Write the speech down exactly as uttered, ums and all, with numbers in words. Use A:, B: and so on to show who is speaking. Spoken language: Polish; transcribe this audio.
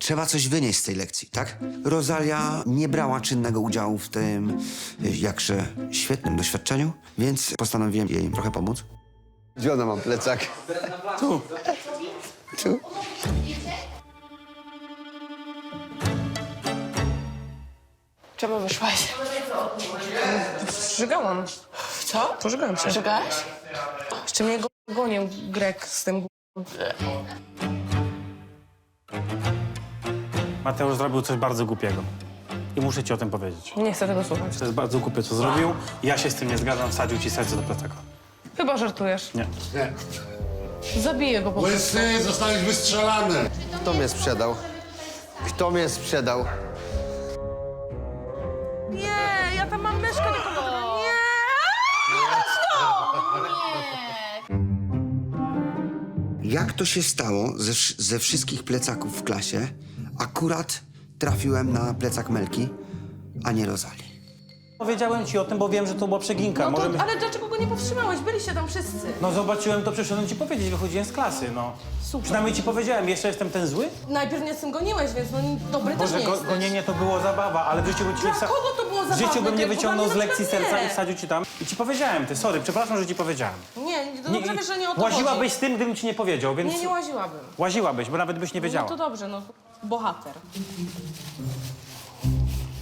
A: Trzeba coś wynieść z tej lekcji, tak? Rosalia nie brała czynnego udziału w tym y, jakże świetnym doświadczeniu, więc postanowiłem jej trochę pomóc.
B: Gdzie ona ma plecak?
A: Tu.
B: Tu.
C: Czemu wyszłaś?
D: Żygałam.
C: Co?
D: Pożygałam się.
C: Żegałaś?
D: Jeszcze mnie go gonił Grek z tym.
E: Mateusz zrobił coś bardzo głupiego. I muszę ci o tym powiedzieć.
D: Nie chcę tego słuchać.
E: To jest bardzo głupie, co zrobił. Ja się z tym nie zgadzam, wsadził ci serce do plecaka.
D: Chyba żartujesz.
E: Nie.
D: Zabiję go po prostu.
F: Łysy, zostałeś wystrzelany.
B: Kto mnie sprzedał? Kto mnie sprzedał?
D: Nie, ja tam mam myszkę do komputera. Nie!
A: Jak to się stało ze, wsz- ze wszystkich plecaków w klasie, akurat trafiłem na plecak Melki, a nie Rosalii?
E: Powiedziałem ci o tym, bo wiem, że to była przeginka.
D: No to,
E: Możemy...
D: ale dlaczego go nie powstrzymałeś? Byliście tam wszyscy.
E: No zobaczyłem to, przyszedłem ci powiedzieć, wychodziłem z klasy, no.
D: Super.
E: Przynajmniej ci powiedziałem, jeszcze jestem ten zły?
D: Najpierw mnie z tym goniłeś, więc no dobry też
E: Boże,
D: nie
E: go,
D: jesteś.
E: gonienie to było zabawa, ale w życiu bym ci nie
D: Dla kogo to było
E: W
D: zabawne?
E: życiu bym nie
D: Bo
E: wyciągnął
D: dla
E: z
D: mnie na
E: lekcji
D: przykład
E: serca
D: nie.
E: i wsadził ci tam. I ci powiedziałem, ty, sorry, przepraszam, że ci powiedziałem.
D: Nie, to dobrze wiesz, że nie o to
E: Łaziłabyś
D: chodzi.
E: z tym, gdybym ci nie powiedział, więc...
D: Nie, nie łaziłabym.
E: Łaziłabyś, bo nawet byś nie
D: No
E: wiedziała.
D: to dobrze, no. Bohater.